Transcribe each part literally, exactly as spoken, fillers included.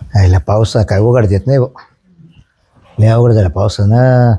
यायला पावसा काय उघड देत नाही भाऊ. लय अवघड झाला पावसानं.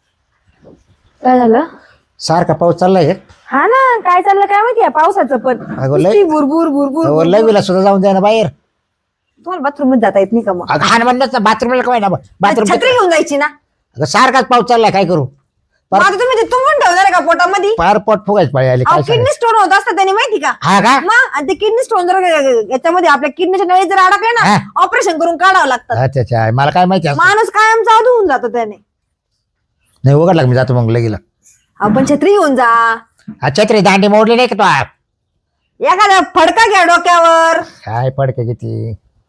काय झालं? सारखा पाऊस चाललाय हे. हा ना, काय चाललं काय माहिती पावसाचं पण अगं लय- नुसती भुरभुर भुरभुर अहो, भुरभुर. लवीला सुद्धा जाऊन द्या ना बाहेर. तुम्हाला बाथरूम मध्ये जाता येत नाही का मग? अगं हान म्हणत ना बाथरूमला काय ना बाथरूम. छत्री घेऊन जायची ना. अगं सारखाच पाऊस चाललाय काय करू. मग आता तुम्ही ते तुंबून ठेवणार आहे का पोटामध्ये? पार पोट फुगायच पाळी आली काय किडनी सांगायचं. स्टोन होत असतं त्याने माहिती का? हा का मग आणि ते किडनी स्टोन जर याच्यामध्ये आपल्या किडनीच्या नळी जर अडकले ना, हा. ऑपरेशन करून काढावं लागतं. अच्छा अच्छा मला काय माहिती असं. माणूस कायम जादू होऊन जातो त्याने. नाही उघडला का मी जातो मग लगेला. आपण छत्री घेऊन जा. हा छत्री दांडी मोडली नाही का तो. एखादा फडका घ्या डोक्यावर. काय पडके किती.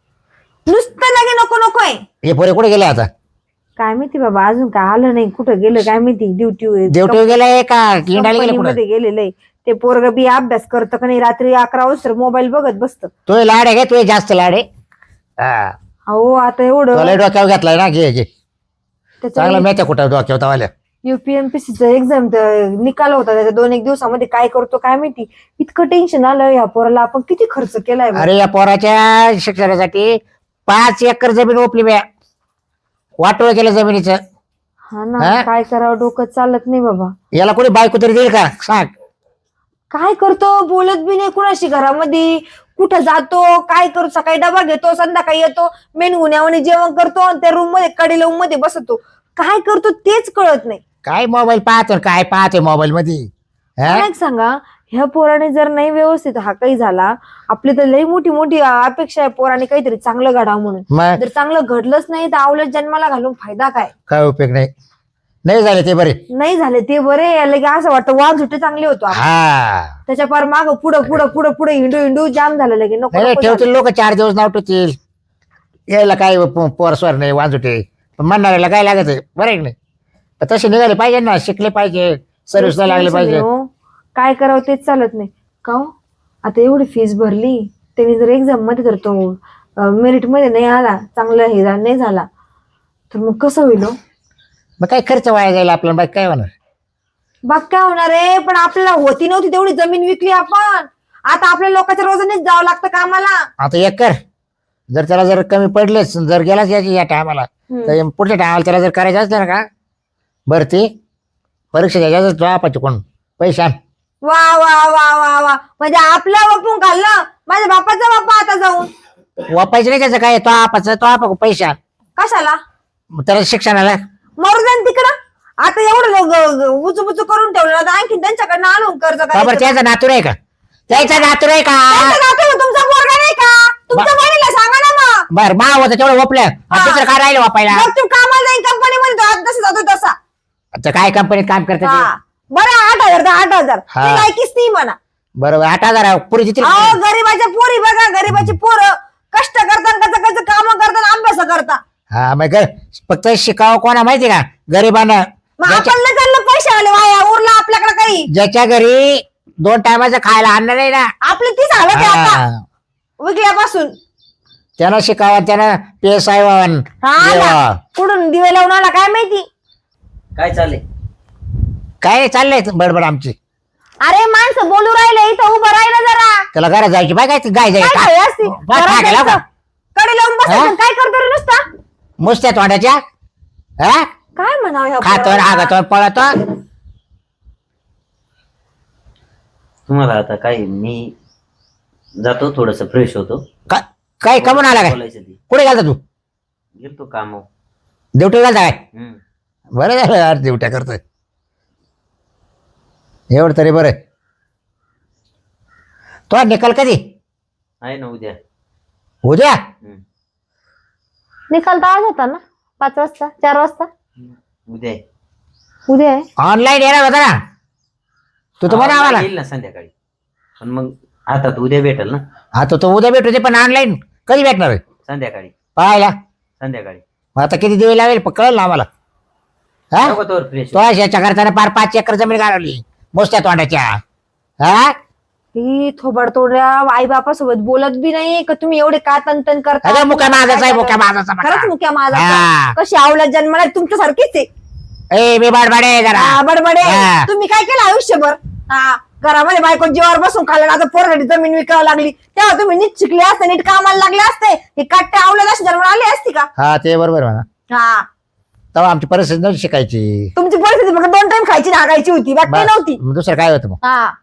नुसतं लगे नको नकोय. हे पोरे कुठे गेले आता. काय माहिती बाबा, अजून काय आलं नाही. कुठं गेलं काय माहिती. ड्युटी ड्युटी गेलाय का इंडायला गेले कुठे. मध्ये गेलेलं आहे. ते पोरग बी अभ्यास करतं का नाही, रात्री अकरा वाजता मोबाईल बघत बसतं. तो लाड आहे का तू जास्त लाड आहे. हा अहो आता एवढं तुला डोक्यावर घेतलाय ना घे घे त्याच्या चांगला माहिती आहे कुठं डोक्यावर तवाल्या. युपीएमपीसीचा एक्झाम निकाल होता त्याच्या दोन एक दिवसामध्ये. काय करतो काय माहिती. इतकं टेन्शन आलं या पोराला. आपण किती खर्च केलाय बा. अरे या पोराच्या शिक्षणासाठी पाच एकर जमीन ओपली बॅ. वाटोळ केलं जमिनीचं. हा ना, हा? काय करावं डोकं चालत नाही बाबा. याला कोणी बायको तरी देईल का सांग. काय करतो, बोलत बी नाही कुणाशी घरामध्ये. कुठं जातो काय करतो, सकाळी डबा घेतो संध्याकाळी येतो मेन गुन्ह्यावाने जेवण करतो आणि त्या रूम मध्ये कडे लावून मध्ये बसतो. काय करतो तेच कळत नाही. काय मोबाईल पाहतो काय पाहतोय मोबाईल मध्ये. हा? मला एक सांगा, ह्या पोराने जर नाही व्यवस्थित हा काही झाला, आपली तर लई मोठी मोठी अपेक्षा आहे पोराने काहीतरी चांगलं घडावं म्हणून. मग जर चांगलं घडलंच नाही तर आवलं जन्माला घालून फायदा काय. काय उपयोग नाही. नाही झाले ते बरे. नाही झाले ते बरे. लगे असं वाटतं वाद सुटे चांगले होतो आपण. हा त्याच्या पार माग पुढं पुढं पुढं पुढे हिंडू हिंडू जाम झालं लगे. नको नाही नको ठेवतील लोक चार दिवस नाव ठेवतील. यायला काय पोरस्वर नाही वाजवते पण म्हणणाऱ्याला काय लागत आहे बरं आहे की नाही. तर तसे निघाले पाहिजे ना, शिकले पाहिजे, सर्व्हिसला लागले पाहिजे. हो. काय करावं तेच चालत नाही का हो? आता एवढी फीस भरली, त्यांनी जर एक्झाम मध्ये जर तो मेरिट मध्ये नाही आला, चांगला हे झा- नाही झाला तर मग कसं होईल हो? मग काय खर्च वाया जाईल आपल्याला बाकी काय होणार. बाग काय होणार आहे. पण आपल्याला होती नव्हती तेवढी जमीन विकली आपण. आता आपल्या लोकांच्या रोजानेच जावं लागतं कामाला. आता एक कर, जर त्याला जर कमी पडलेच जर गेलाच याची या टायमाला तर पुढच्या टायमाला त्याला जर करायचं असलं ना का भरती परीक्षा द्यायच्या जॉबाचे कोण पैसे आण. वा वा वा वा वा, म्हणजे आपलं वापरून खाल्लं माझ्या बापाचा बापा आता जाऊन. वापायचं नाही त्याचं काय, तो आपाचं तो आपा पैसे आण. कशाला? मग त्याला शिक्षणाला मरू द्या ना तिकडं. आता एवढं उचू बुचू करून ठेवलं आता आणखी त्यांच्याकडनं आणून कर्ज का बरं करायचं. त्याचा नातूर आहे का, त्याचा नातूर आहे का. त्यांचं नातं आहे, तुमचा पोरगा नाही का? तुमच्या बहिणीला सांगा ना मग. बर मा होतं तेवढं वापल्या दुसरं काय राहिलं वापायला. मग तू कामाला जाईन कंपनीमध्ये आज जसं जातो तसा. आता काय कंपनीत काम करते ते. हा. बरं आठ हजार तर आठ हजार हा. ती लायकीच ती म्हणा. बरोबर आठ हजार पुरी देतील. अहो गरीबाच्या पोरी बघा, गरीबाची पोरं कष्ट करतात, कसं कसं काम करतात, अभ्यास करतात. हा मग ग- फक्त शिकावं कोणा माहिती का, गरिबांना. मग आपण न चाललं पैसे आले वाया, उरला आपल्याकडे काही. ज्याच्या घरी दोन टायमाचं खायला आणणार नाही ना, आपली तीच हालत आहे आता हा, विकल्यापासून. त्यानं शिकावं, त्यानं पेस आहे वावन. हा ना. कुठून दिवे लावून आला काय माहिती. काय चाललंय? काय नाही चाललंय बडबड आमची. अरे माणसं बोलू राहिले इथं उभं राहिलं जरा. त्याला घरात जायची बाय काय ती गाय काय जायची घाई असती? बा- घरात टाकायला जायचं. का? कडे लावून बसायचं. हा? काय करतो रे नुसता? मुसत्या तोंडाच्या. हा काय म्हणावं ह्या खातो पोराला? आगतो पळतो. तुम्हाला आता काय, मी जातो थोडस फ्रेश होतो. का- काय कमून आला काय, बोलायचं ती कुठे घालता तू. गेलतो काम. ड्युटी घालता काय. बरं झालं यार ड्युट्या करतोय एवढं तरी बरं. तो निकाल कधी. आहे ना उद्या. उद्या. हम्म. निकाल तर आज होता ना, पाच वाजता चार वाजता. उद्या आहे. उद्या आहे. ऑनलाईन येणार होता ना तू तर म्हणा हा, आम्हाला. येईल ना संध्याकाळी. पण मग आता तर उद्या भेटेल ना. आता तो उद्या भेटू दे पण ऑनलाईन कधी भेटणार आहे संध्याकाळी. पाहायला. संध्याकाळी मग आता किती दिवे लावेल प- कळलं ना आम्हाला. हा नको तोवर फ्रेश. तो याच्या करताना पार पाच एकर जमीन घालवली मोस्त्या तोंडाच्या. हा ही थोबाड तोडल्या आई बापासोबत बोलत बी नाही का तुम्ही एवढे का तन करता. अगं मुक्या माझाचा आहे मुक्या माझाचा खरंच बघा. मुक्या माझा. हा. कशी आवला जन्माला तुमच्यासारखीच आहे. ए मी बाडबाडे जरा हा, बडबडे. हा. तुम्ही काय केलं आयुष्यभर? हा घरामध्ये बायको जीवावर बसून खाल्लं आता पोरासाठी जमीन विकावं लागली तेव्हा तुम्ही नीट शिकले असते नीट कामाला लागले असते हे काट्या आवडत असे जन्म आले असते का हा ते बरोबर म्हणा. हा तेव्हा आमची परिस्थिती नव्हती शिकायची. तुमची परिस्थिती फक्त दोन टाइम खायची नागायची होती बाकी काही नव्हती. मग दुसरं काय होतं मग. हा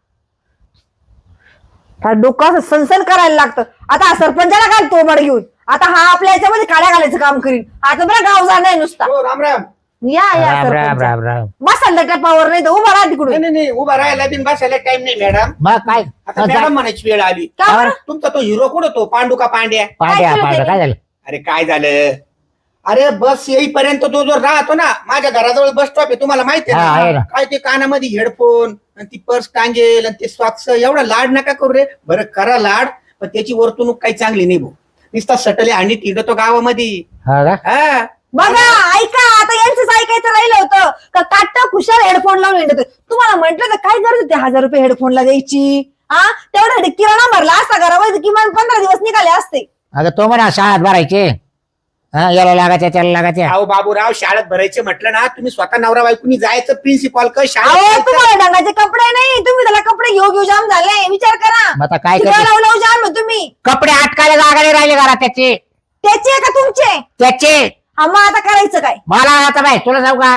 काय डोकं असं सनसन करायला लागतं. आता हा सरपंचाला काय तोबड घेऊन आता हा आपल्या याच्यामध्ये काड्या घालायचं काम करीन. आता बरं गाव जाणार नुसता. हो, राम राम. या या राम राम सरपंच राम राम. बसाल त्या टपावर नाही तर उभा राहा नाही तिकडून. नाही नाही उभा राहायला बिन बसायला टाइम नाही मॅडम. मग काय आता मॅडम म्हणायची वेळ आली. का बरं? तुमचा तो हिरो कुठं तो पांडू का पांड्या? पांड्या केलं पांड्या त्याने? काय झालं. अरे काय झालं? अरे बस येईपर्यंत तो जो राहतो ना माझ्या घराजवळ बस स्टॉप आहे तुम्हाला माहिती हा, आहे आहे ना. ना? काय ते कानामध्ये हेडफोन आणि ती पर्स टांगेल आणि ते सॉक्स एवढा लाड नका करू रे. बरं करा लाड पण त्याची वर्तणूक काही चांगली नाही भाऊ. नुसता सटले आणि तिडतो गावामध्ये. हा का. हा बघा ऐका आता यांचंच ऐकायचं राहिलं होतं का काट्टा खुशाल हेडफोन लावून येत तुम्हाला म्हटलं तर काय गरज होती हजार रुपये हेडफोनला द्यायची. हा तेवढा किराणा भरला असता घरामध्ये किमान पंधरा दिवस निघाले असते. अगं तो म्हणा शाळेत भरायचे. हा याला लागायच्या त्याला लागायच्या. अहो बाबूराव शाळेत भरायचे म्हटलं ना तुम्ही स्वतः नवरा बायकोनी जायचं प्रिन्सिपॉल का अहो शाळेत तुम्हाला ढंगाचे कपडे नाही तुम्ही त्याला कपडे घेऊ घेऊ जाम झाले विचार करा. मग आता काय किती करते. लावू लावू जाम आहे तुम्ही. कपडे अटकायला जागा नाही राहिले घरात त्याचे त्याचे का तुमचे त्याचे. हा मग आता करायचं काय. मला आता बाय तुला जाऊ का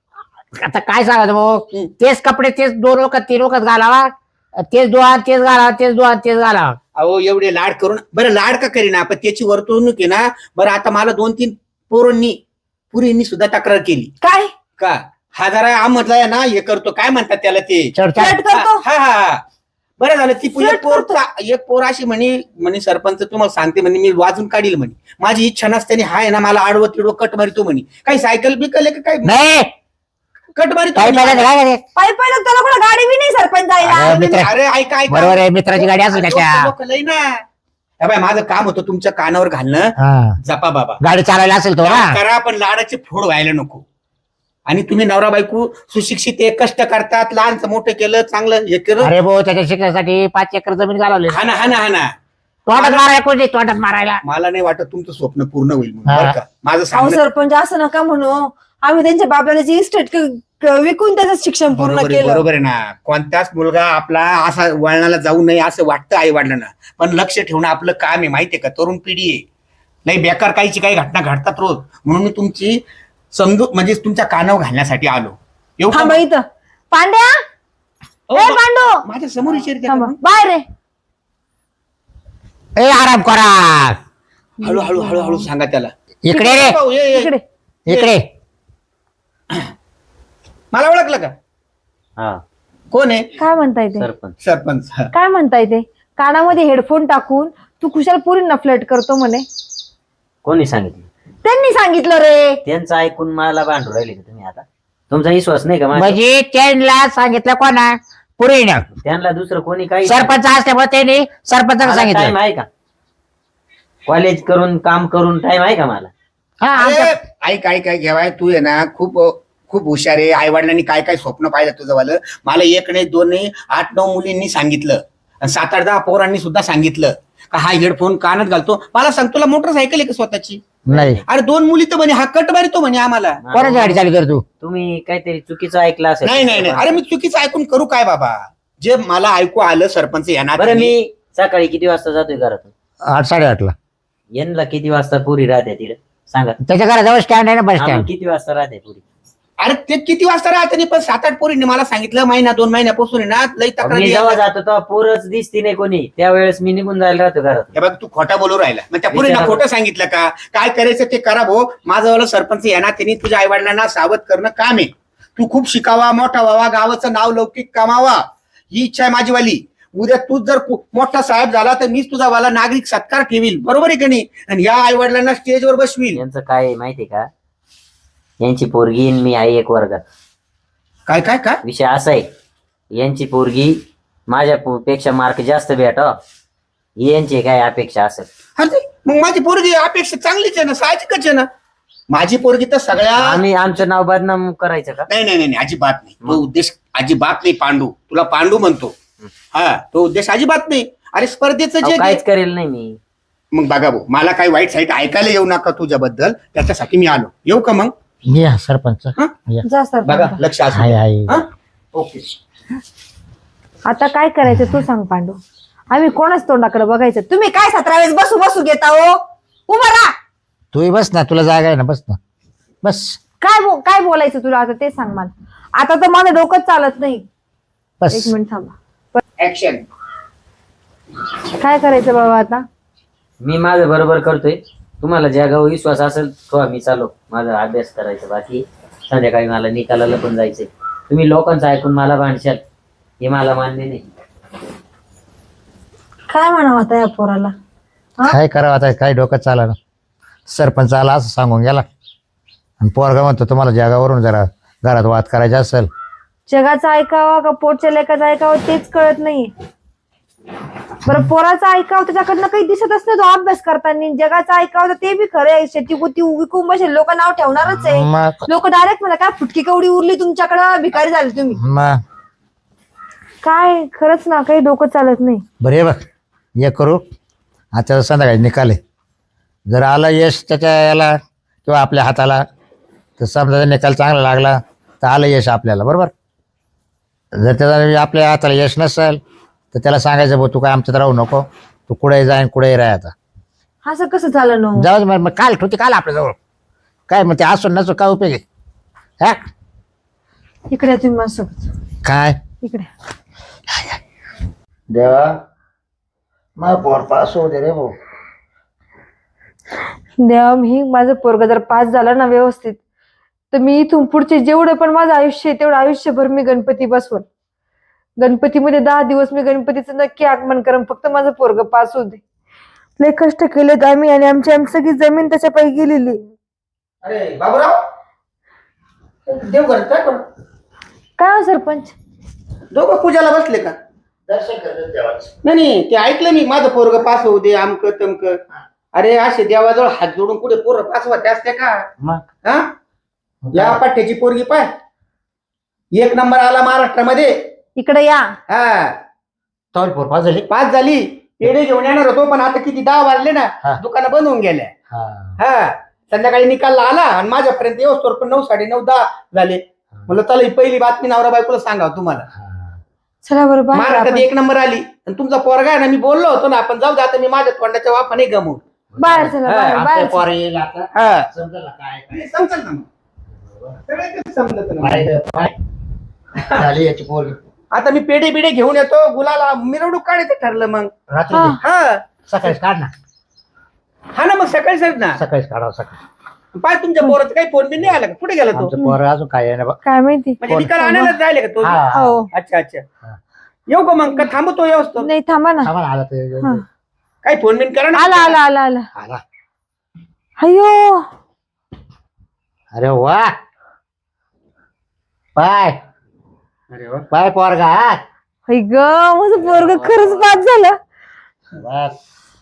आता काय सांगायचं भाऊ. तेच कपडे तेच दोन वखत तीन वखत घालावा तेच दोन तेच घालावा तेच दोन तेच घालावा. अहो एवढे लाड करून बरं लाड का करीना पण त्याची वर्तवणूक आहे ना. बरं आता मला दोन तीन पोरांनी पुरींनी सुद्धा तक्रार केली काय का हा जरा आमधला ना हे करतो काय म्हणतात त्याला ते चढ फ्लर्ट करतो. हा हा हा बरं झालं ती पु- एक फ्लर्ट पोर करतो. एक पोर अशी म्हणे म्हणे सरपंच तुम्हाला सांगते म्हणे मी वाजून काढील म्हणे. माझी इच्छा नसताना हा आहे ना मला आडवं तिडवं कट मारितो म्हणे. काही सायकल बिकल आहे का काय नाही कट मारितो काय म्हणे. पाहिजे काय करे. पायी पाहिलं त्याला कुठं गाडी बी नाही सरपंच जायला. अरे, मित्र- अरे ऐका ऐका बरोबर आहे मित्राची गाडी असेल त्याच्या. लोक लई ना हे बाय माझं काम होतं तुमच्या कानावर घालणं. हा जपा बाबा गाडी चालवायला असेल तो ना. करा पण लाडाचे फोड व्हायला नको. आणि तुम्ही नवरा बायको सुशिक्षित आहे कष्ट करतात लहानचं मोठं केलं चांगलं हे केलं. अरे भाऊ त्याच्या शिकण्यासाठी पाच एकर जमीन घालवली. हा ना हा ना हा ना तोंडात मारायला कोणी तोंडात मारायला. मला नाही वाटत तुमचं स्वप्न पूर्ण होईल म्हणून. हा. बरं का माझं अहो सांगणं सरपंच असं नका म्हणू. आम्ही त्यांच्या बाबल्याची इस्टेट विकून त्याचं शिक्षण पूर्ण बरोबर आहे केलं. बरोबर आहे ना. कोणताच मुलगा आपला असा वळणाला जाऊ नये असं वाटतं आई वडिलांना. पण लक्ष ठेवणं आपलं काम आहे माहितीये का. तरुण पिढी आहे नाही बेकार काहीची काही घटना घडतात रोज. म्हणून मी तुमची समजूत म्हणजे तुमच्या कानावर घालण्यासाठी आलो. येऊ थांबा का? इथं पांड्या अहो, ए मा- पांडू माझ्या समोर विचारते थांबा का? बाहेर रे. ए आराम करा. हळू हळू हळू हळू सांगा त्याला. इकडे रे भाऊ, ये, ये. इकडे इकडे. मला ओळखलं का हा कोण आहे? काय म्हणताय ते सरपंच. सरपंच हा. काय म्हणताय ते कानामध्ये हेडफोन टाकून तू कुशाल पुरींना फ्लर्ट करतो म्हणे. कोणी सांगितलं? त्यांनी सांगितलं रे. त्यांचं ऐकून मला भांडू राहिले का तुम्ही आता? तुमचा विश्वास नाही का माझ्यावर? म्हणजे त्यांना सांगितलं कोणा पुरीनं. त्यांना दुसरं कोणी काही सरपंच असल्यामुळे त्यांनी सरपंचाला टाइम सांगितलं. आहे का? कॉलेज करून काम करून टाइम आहे का मला? हा अरे, आमचं- ऐक ऐक ऐक घेवाय तू आहे ना खूप खूप हुशार आहे. आई वडिलांनी काय काय स्वप्न पाहिलं तुझं वालं. मला एक नाही दोन नाही आठ नऊ मुलींनी सांगितलं आणि सात आठ दहा पोरांनी सुद्धा सांगितलं का हा हेडफोन कानात घालतो. मला सांग तुला मोटरसायकल आहे का स्वतःची? नाही अरे दोन मुली तर म्हणे हा कट मारितो म्हणे आम्हाला. कोणाची गाडी चालू कर तू. तुम्ही काहीतरी चुकीचं ऐकलं असेल. नाही नाही नाही अरे मी चुकीचं ऐकून करू काय बाबा. जे मला ऐकू आलं सरपंच येणार बरं मी सकाळी किती वाजता जातोय घरातून? आठ साडेआठला. यांना किती वाजता पुरी राहते तिकडे सांगा. त्याच्या घराजवळ स्टँड आहे ना बस हा, मग स्टँड. किती वाजता राहते पुरी? अरे ते किती वाजता राहते नाही पण सात आठ पोरींनी मला सांगितलं महिना दोन महिन्यापासून आहे ना लई मी तक्रारी जेव्हा यायला. जातो तेव्हा पोरच दिसती नाही कोणी. त्यावेळेस मी निघून जायला राहतो घरात. हे बघ तू खोटा बोलू राहिला. मग त्या पोरींना विचारा. खोटं सांगितलं का काय करायचं ते करा भाऊ. माझं वाला सरपंच येणार त्यांनी तुझ्या आई वडिलांना सावध करणं काम आहे. तू खूप शिकावा मोठा व्हावा गावाचं नाव लौकिक कमावा ही इच्छा आहे माझीवाली. उद्या तूच जर खूप मोठा साहेब झाला तर मीच तुझा वाला नागरिक सत्कार ठेवील. बरोबर आहे का नाही? आणि या आई वडिलांना स्टेजवर बसवील. यांचं काय आहे माहितीये का? यांची पोरगी आणि मी आहे एक वर्गात. काय काय काय विषय असा आहे यांची पोरगी माझ्या पो- पेक्षा मार्क जास्त भेटा यांची काय अपेक्षा असेल. हा ते मग माझी पोरगी अपेक्षा चांगलीच आहे ना साहजिकच आहे ना. माझी पोरगी तर सगळ्या आम्ही आमचं नाव बदनाम करायचं का? नाही नाही नाही नाही, अजिबात नाही. तो उद्देश अजिबात नाही. पांडू तुला पांडू म्हणतो. हा तो उद्देश अजिबात नाही. अरे स्पर्धेचं अहो, जे काहीच करेल नाही मी. मग बघा भाऊ मला काही वाईट साईट ऐकायला येऊ नका तुझ्याबद्दल. त्याच्यासाठी मी आलो. येऊ का मग? मी हा सरपंच. हा? या. जा सर बघा लक्ष असू आहे द्या. आहे. हा? ओके आता काय करायचं तू सांग पांडू. आम्ही कोणाच तोंडाकडे बघायचं. तुम्ही काय सतरा वेळेस बसू बसू घेता हो. उभा राहा. तूही बस ना, तुला जागा आहे ना, बस ना बस. काय बो काय बोलायचं तुला आता ते सांग मला. आता तर माझं डोकंच चालत नाही. बस एक मिनिट थांबा. ऍक्शन. काय करायचं बाबा आता. मी माझं बरोबर करतोय. तुम्हाला ज्या गाव विश्वास असेल तो आम्ही चालू. माझा अभ्यास करायचा बाकी. संध्याकाळी मला निकालाला पण जायचंय. तुम्ही लोकांचं ऐकून मला भांडशाल हे मला मान्य नाही. काय म्हणावं आता या पोराला. काय करावं आता, काय डोकं चाला ना. सरपंच आला असं सांगून गेला आणि पोरगा म्हणतो तुम्हाला जगावरून जरा घरात वाद करायचा असेल. जगाचं ऐकावं का पोटच्या लेखाचं ऐकावं तेच कळत नाही. बरं पोराचं ऐकावं त्याच्याकडनं काही दिसतच नाही तो अभ्यास करताना. जगाचं ऐकावं तर ते बी खरं आहे. शेती गुती विकून बसेल लोक नाव ठेवणारच आहे. मग लोक डायरेक्ट मला काय फुटकी कवडी उरली तुमच्याकडं भिकारी झाले तुम्ही. मग काय खरंच ना काही डोकं चालत नाही. बरं हे बघ, हे करू आता संध्याकाळी निकाले. जर आला यश त्याच्या याला किंवा आपल्या हाताला तर समजा निकाल चांगला लागला तर आलं यश आपल्याला, बरोबर. जर त्याचा आपल्या हाताला यश नसेल तर त्याला सांगायचं भाऊ तू काय आमच्यात राहू नको, तू कुठेही जाईन कुठेही राह. आता असं कसं झालं ना. जाऊ दे मग, मग काल ठेवते काल आपल्याजवळ काय मग ते असून नसो काय उपयोग आहे. हा इकडे तुम्ही माझ्यासोबत. काय इकडे देवा मग पोर पास होऊ दे रे भाऊ. देवा मी माझं पोरग जर पास झालं ना व्यवस्थित तर मी इथून पुढचे जेवढं पण माझं आयुष्य आहे तेवढं आयुष्यभर मी गणपती बसवल. गणपतीमध्ये दहा दिवस मी गणपतीचं नक्की आगमन करेन. फक्त माझं पोरग पास होऊ दे. लय कष्ट केलेत आम्ही आणि आमची आमची सगळी जमीन त्याच्या पायी गेलेली. अरे बाबूराव देव घर काय करू. काय हो सरपंच दोघं पूजाला बसले का. दर्शन करतो देवाचं. नाही नाही ते ऐकलं मी माझं पोरग पास होऊ दे आमक तमक. अरे असे देवाजवळ हात जोडून कुठे पोरं पास होते असते का. मग हा या पाठ्याची पोरगी पाय एक नंबर आला महाराष्ट्रामध्ये. इकडे या. हा तोल पोर पास झाली. पास झाली. पेढे घेऊन येणार होतो पण आता किती दहा वाजले हा. ना दुकानं बंद होऊन गेल्या. हा हा संध्याकाळी निकाल आला आणि माझ्यापर्यंत येऊस पण नऊ साडे नऊ दहा झाले. म्हणलं चला ही पहिली बातमी नवरा बायकोला सांगावं तुम्हाला. हा. चला बरं बाहेर महाराष्ट्रात आपण. एक नंबर आली आणि तुमचा पोरगा आहे ना मी बोललो होतो ना आपण जाऊ दे आता मी माझ्या तोंडाच्या वाफाने गमवून. बाहेर चला हा, बाहेर आमचं बाहेर पोर येईल आता. हा समजेल ना काय काय. समजलं ना मग. सगळं काही समजलं ना. काय काय झाली याची पोरगी. आता मी पेढे बिडे घेऊन येतो गुलाला मिरवणूक काढायचं ठरलं मग. रात्री हा. हा सकाळीच काढ ना. हा ना मग सकाळी सर ना सकाळीच काढावं सकाळी. पाय तुमच्या पोराचं काही फोन बिन नाही आला का कुठे गेला तो आमचं पोर अजून काय आहे ना बा. काय माहिती. म्हणजे निकाल आणायलाच जायला का तो. हा. हो अच्छा अच्छा हा. येऊ का मग का थांबतो व्यवस्थित. नाही थांबा ना. आम्हाला आला ते हा. काही फोन बिन करा ना. आला आला आला आला. आला. अयो अरे वा पाय अरे वा. पाय पोरगा. हाय ग माझं पोरग खरंच पास झालं. बस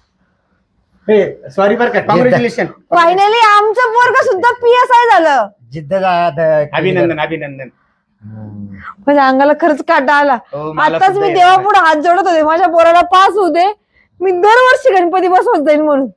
सॉरी बरं का कॉंग्रॅच्युलेशन. फायनली आमचं पोरग सुद्धा पी एस आय झालं. जिद्द जा- अभिनंदन अभिनंदन. हम्म. माझ्या अंगाला खरंच काटा आला. हो, मला आताच सुद्धा मी आहे. देवापुढे हात जोडत होते माझ्या पोराला पास होऊ दे. मी दरवर्षी गणपती बसवत जाईल म्हणून.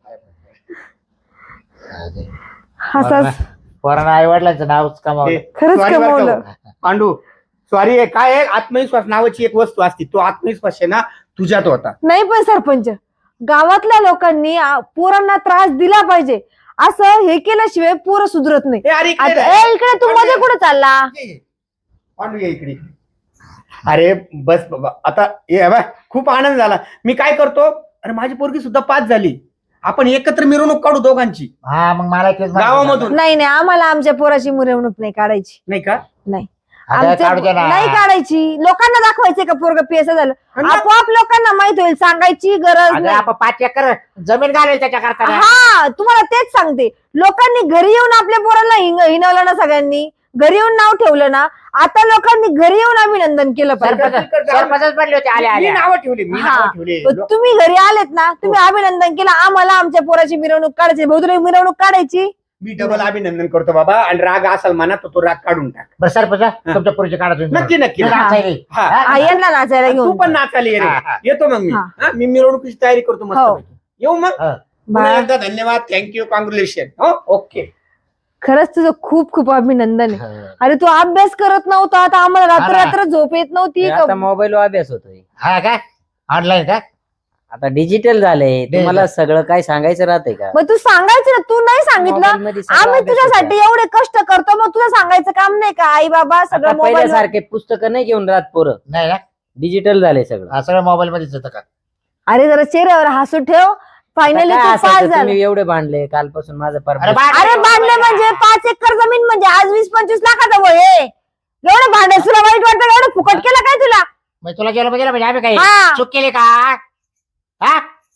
असाच पोरांना आई वडिलांचं नावच कमावलं. खरंच Sorry बरं का कमावलं. हो. पांडू सॉरी आहे काय आहे आत्मविश्वास नावाची एक वस्तू असते तो आत्मविश्वास आहे ना तुझ्यात होता. नाही पण सरपंच गावातल्या लोकांनी आ, पोरांना त्रास दिला पाहिजे. असं हे केल्याशिवाय पोरं सुधरत नाही. ए, अरे इकडे आता रे. ए, इकडे तू मध्ये कुठे चालला. पांडू ये इकडे. अरे बस बाबा आता ये बा खूप आनंद झाला. मी काय करतो अरे माझी पोरगी सुद्धा पास झाली. आपण एकत्र मिरवणूक काढू दोघांची हा मग मला तेच म्हणायचं. गावामधून. नाही नाही आम्हाला आमच्या पोराची मिरवणूक नाही काढायची. नाही का नाही अगं, आमच्या काढू दे ना. नाही काढायची. लोकांना दाखवायचे का पोरग पी एस आय झालं. आणि आपोआप लोकांना माहित होईल. सांगायची गरज अगं, नाही. आपण पाच एकर जमीन घालेल त्याच्या करता. हा तुम्हाला तेच सांगते. लोकांनी घरी येऊन आपल्या पोरांना हिंग- हिणवलं ना सगळ्यांनी. घरी येऊन नाव ठेवलं ना. आता लोकांनी घरी येऊन अभिनंदन केलं पाहिजे. सरपंचच बनले होते आले मी आले. नावं ठेवली मी हा. नावं ठेवली. पण तुम्ही घरी आलेत ना तुम्ही अभिनंदन केलं. आम्हाला आमच्या पोराची मिरवणूक काढायची. भाऊ तुला मिरवणूक काढायची. मी डबल अभिनंदन करतो बाबा आणि राग असाल मनात तर तो राग काढून टाक. बरं सरपंच तुमच्या पुढचे काढा तुम्ही. नक्की नक्की मी नाचायला. हा. हा, यांना नाचायला तू घेऊन पण नाचायला ये रे. हा, हा. येतो मग मी हा. हा, मी मिरवणुकीची तयारी करतो मस्त हो. पैकी. येऊ मग हा. पुन्हा बाय. एकदा धन्यवाद थँक्यू कॉंग्रॅच्युलेशन. हो ओके खरंच तुझं खूप खूप अभिनंदन आहे. हा. अरे तू अभ्यास करत नव्हता, आता आम्हाला रात्र हा ना. रात्र झोप येत नव्हती का? आता मोबाईल अभ्यास होतोय. हा का ऑनलाईन का आता डिजिटल झालंय. तुम्हाला सगळं काय सांगायचं राहतंय का? मग तू सांगायचं ना, तू नाही सांगितलं. Mobile मध्ये सगळं आम्ही अभ्यास तुझ्यासाठी होतोय. एवढे कष्ट करतो, मग तुला सांगायचं काम नाही का? आई बाबा सगळं आता मोबाईल. पहिल्यासारखे पुस्तकं नाही घेऊन राहत पोरं. नाही ना डिजिटल झालंय सगळं. हा सगळं मोबाईल मध्येच येतं का अरे जरा चेहऱ्यावर हसू ठेव. फायनली आता तू काय पास असायचं, झाला. तुम्ही एवढे भांडले कालपासून माझं अरे परत बा- अरे बांधले म्हणजे पाच एकर जमीन म्हणजे आज वीस पंचवीस लाखाचं वय आहे. एवढं भांडे तुला वाईट वाटतं का? एवढं फुकट केलं काय तुला? मग तुला गेलं म्हणजे म्हणजे आम्ही काही हा. चूक केली का हा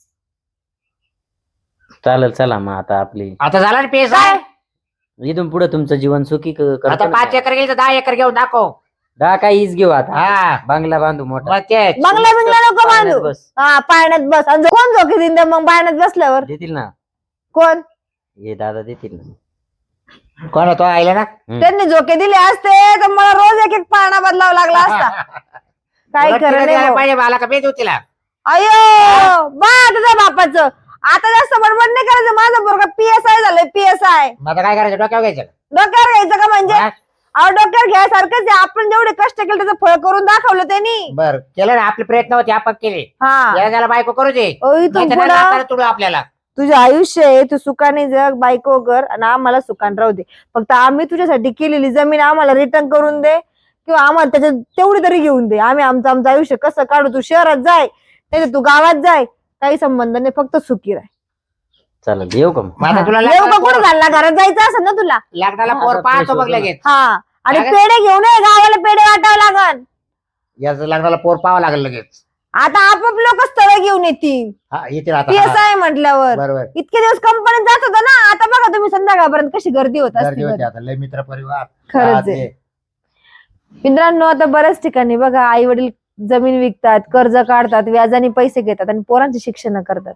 चालेल. चला मग आता आपली आता झाला ना पेस काय? इथून पुढे तुमचं जीवन सुखी क- करतो आता ना. पाच एकर गेली तर दहा एकर घेऊन दाखव. दहा काही ईज घेऊ आता. हा बांगला बांधू मोठा. मग तेच बंगला बिंगला नको पाळण्यात बांधू. बस. हा पाळण्यात बस. आणि कोण झोके देईन त्या मग पाळण्यात बसल्यावर? देतील ना. कोण? हे दादा देतील ना. कोण तो आयला ना हम्म. त्यांनी झोके दिले असते तर मला रोज एक एक पाळणा बदलावा लागला असता. काय तुला खरं तिला नाही द्यायला भाऊ. पाहिजे मला का बेच तिला अयो बा तुझ्या बापाचं आता जास्त बडबड नाही करायचं. माझं पोरगा पीएसआय झालंय, पीएसआय. मग आता काय करायचं डोक्यावर घ्यायचं डोक्यावर घ्यायचं का म्हणजे? हा? अहो डोक्यावर घ्यायसारखंच आहे. आपण जेवढे कष्ट केले त्याचं फळ करून दाखवलं त्यांनी. बर केलं ना आपले प्रयत्न होते आपण केले हा याला त्याला बायको करू दे ओ, इथून नाहीतर पुढं नाकाला तुडू आपल्याला तुझं आयुष्य आहे, तू सुखाने जग, बायको कर आणि आम्हाला सुखान राहू दे. फक्त आम्ही तुझ्यासाठी केलेली जमीन आम्हाला रिटर्न करून दे किंवा आम्हाला त्याच्यात तेवढी तरी घेऊन दे. आम्ही आमचं आमचं आयुष्य कसं काढू. तू शहरात जाय नाही तू गावात जाय, काही संबंध नाही, फक्त सुखी राह. चालेल येऊ का मग? मग आता तुला येऊ का? लग्नाला कुठं पोर- झाला घरात जायचं असेल ना तुला? लग्नाला हा, पोर आता पाहतो fresh बघ होतो ना. लगेच हा आणि काय? पेढे घेऊन ये, गावाला पेढे वाटावं लागल. याचं लग्नाला पोर पाहावं लागेल लगेच आता आपोआप लोक स्थळ घेऊन येतील हा येतील आता पीएसआय म्हटल्यावर. बरोबर इतके दिवस कंपनीत जात होता ना, आता बघा तुम्ही संध्याकाळपर्यंत कशी गर्दी होत गर्दी असते होती घरी. आता लय मित्र परिवार खरंच हा, आहे. ते. मित्रांनो आता बऱ्याच ठिकाणी बघा आई वडील जमीन विकतात, कर्ज काढतात, व्याजाने पैसे घेतात आणि पोरांची शिक्षण करतात.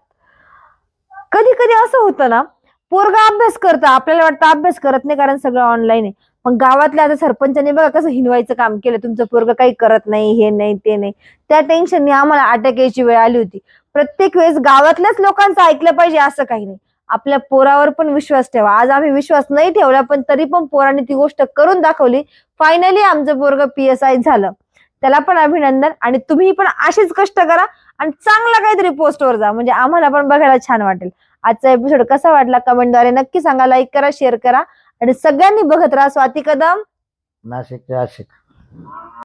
कधी कधी असं होतं ना, पोरगा अभ्यास करतं, आपल्याला वाटतं अभ्यास करत नाही कारण सगळं ऑनलाईन आहे. पण गावातल्या आता सरपंचाने बघा कसं हिनवायचं काम केलं. तुमचं पोरगा काही करत नाही, हे नाही ते नाही. त्या टेन्शनने आम्हाला अटक यायची वेळ आली होती. प्रत्येक वेळेस गावातल्याच लोकांचं ऐकलं पाहिजे असं काही नाही. आपल्या पोरावर पण विश्वास ठेवा. आज आम्ही विश्वास नाही ठेवला पण तरी पण पोरांनी ती गोष्ट करून दाखवली. फायनली आमचं पोरग पीएसआय झालं. त्याला पण अभिनंदन. आणि तुम्ही पण असेच कष्ट करा आणि चांगला काहीतरी पोस्टवर जा, म्हणजे आम्हाला पण बघायला छान वाटेल. आजचा एपिसोड कसा वाटला कमेंटद्वारे नक्की सांगा, लाईक करा, शेअर करा आणि सगळ्यांनी बघत राहा स्वाती कदम नाशिकचे आशिक